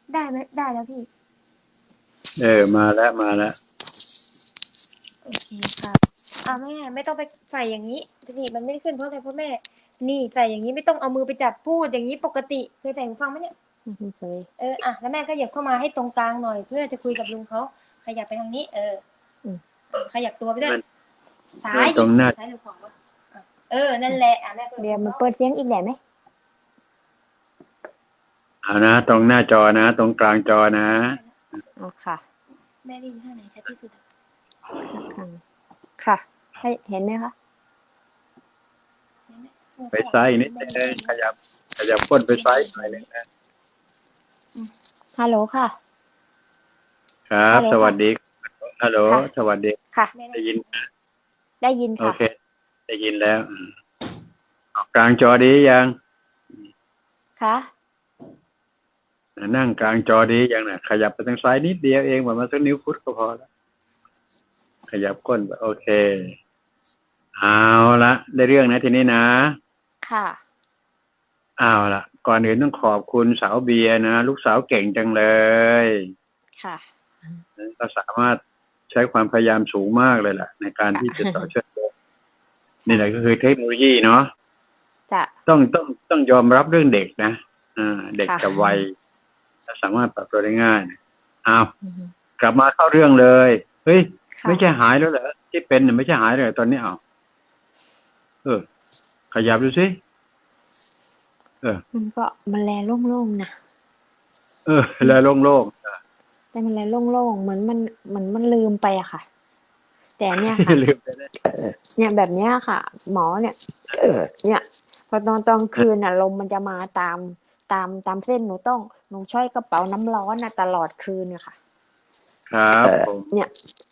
ได้ไหมได้แล้วพี่มาแล้วมาแล้วโอเคค่ะแม่ไม่ต้องไปใส่อย่างนี้นี่มันไม่ได้ขึ้นเพราะอะไรเพราะแม่นี่ใส่อย่างนี้ไม่ต้องเอามือไปจับพูดอย่างนี้ปกติเคยใส่หูฟังไหมเนี่ยไม่เคยแล้วแม่ก็เหยียบเข้ามาให้ตรงกลางหน่อยเพื่อจะคุยกับลุงเขาขยับไปทางนี้ขยับตัวไปด้วยซ้ายดิซ้ายหรือขวาวะนั่นแหละแม่เดี๋ยวมันเปิดเสียงอีกแหละไหมเอานะตรงหน้าจอนะตรงกลางจอนะอ๋อค่ะแม่ได้ยินข้างไหนชัดที่สุดค่ะให้เห็นไหมคะไปซ้ายนิดนึงขยับก้นไปซ้ายหน่อยนึงนะฮัลโหลค่ะครับสวัสดีฮัลโหลสวัสดีค่ะได้ยินได้ยินค่ะโอเคได้ยินแล้วกลางจอดียังค่ะนั่งกลางจอดียังนะขยับไปทางซ้ายนิดเดียวเองประมาณสักนิ้วฟุตก็พอแล้วขยับก้นโอเคเอาละได้เรื่องนะทีนี้นะค่ะเอาละก่อนอื่นต้องขอบคุณสาวเบียร์นะลูกสาวเก่งจังเลยค่ะก็สามารถใช้ความพยายามสูงมากเลยล่ะในการที่จะต่อเชื่อมโยงนี่แหละก็คือเทคโนโลยีเนาะต้องยอมรับเรื่องเด็กนะเด็กกับวัยสามารถปรับตัวได้ง่ายเอากลับมาเข้าเรื่องเลยเฮ้ยไม่ใช่หายแล้วเหรอที่เป็นไม่ใช่หายเลยตอนนี้ขยับดูสิมันแลโล่งๆนะแลโล่งๆแต่มันแลโล่งๆเหมือนมันลืมไปอะค่ะแต่เนี่ยค่ะเนี่ยแบบเนี้ยค่ะหมอเนี่ยพอตอนคืนน่ะลมมันจะมาตามเส้นหนูช่อยกระเป๋าน้ำร้อนน่ะตลอดคืนเนี่ยค่ะครับผมเนี่ย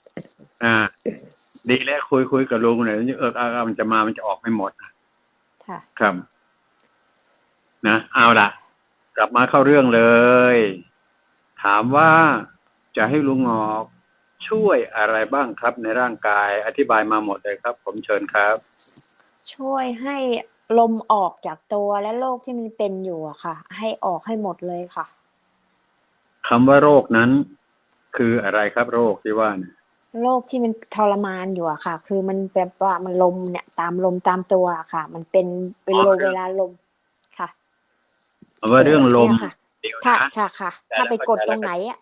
ดีแล้วคุยกับลุงหน่อยมันจะมันจะออกไม่หมดค่ะครับนะเอาล่ะกลับมาเข้าเรื่องเลยถามว่าจะให้ลุงงอกช่วยอะไรบ้างครับในร่างกายอธิบายมาหมดเลยครับผมเชิญครับช่วยให้ลมออกจากตัวและโรคที่มันเป็นอยู่อะค่ะให้ออกให้หมดเลยค่ะคำว่าโรคนั้นคืออะไรครับโรคที่ว่าเนี่ยโรคที่มันทรมานอยู่อะค่ะคือมันแบบว่ามันลมเนี่ยตามลมตามตัวอะค่ะมันเป็นลมเวลาลมค่ะว่าเรื่องลมถ้าค่ะถ้าไปกดตรงไหนอะ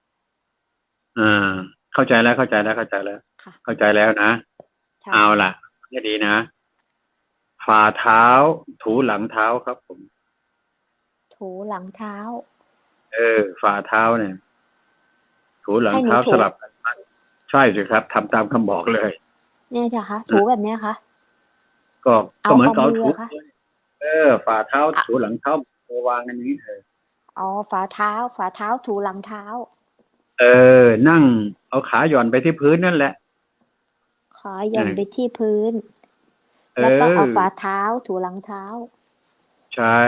เข้าใจแล้วเข้าใจแล้วนะเอาล่ะนี่ดีนะฝ่าเท้าถูหลังเท้าครับผมถูหลังเท้าฝ่าเท้าเนี่ยถูหลังเท้าสลับกันใช่สิครับทำตามคำบอกเลยเนี่ยจ้ะคะถูแบบเนี้ยคะก็เหมือนเขาถูฝ่าเท้าถูหลังเท้าวางกันอย่างนี้ฝ่าเท้าถูหลังเท้านั่งเอาขาหย่อนไปที่พื้นนั่นแหละขาหย่อนไปที่พื้นแล้วก็เอาฝ่าเท้าถูหลังเท้าใช่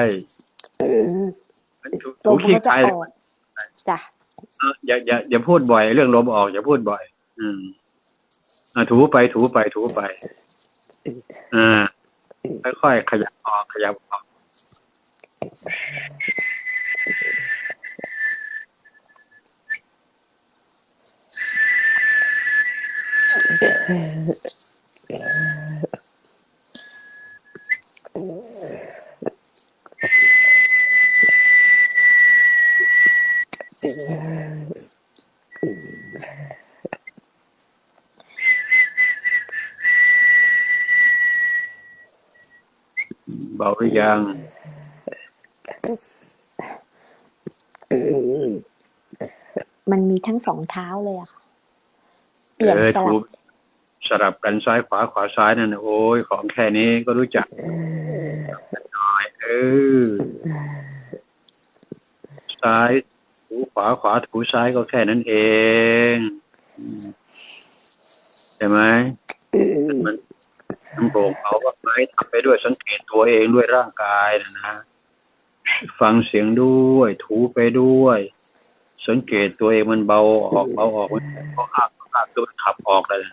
ถูขี้ใครจ้ะอย่าพูดบ่อยเรื่องลมออกอย่าพูดบ่อยถูไปค่อยๆขยับออกเบาหรือยังมันมีทั้งสองเท้าเลยอะค่ะเปลี่ยนสลับกันซ้ายขวาซ้ายนั่นโอ้ยของแค่นี้ก็รู้จักน้อยซ้ายถูขวาถูซ้ายก็แค่นั้นเองใช่ไหมมันโปร่งเอาว่าไม่ทำไปด้วยสังเกตตัวเองด้วยร่างกายนะฟังเสียงด้วยถูไปด้วยสังเกตตัวเองมันเบาออกมันตัวขับออกเลย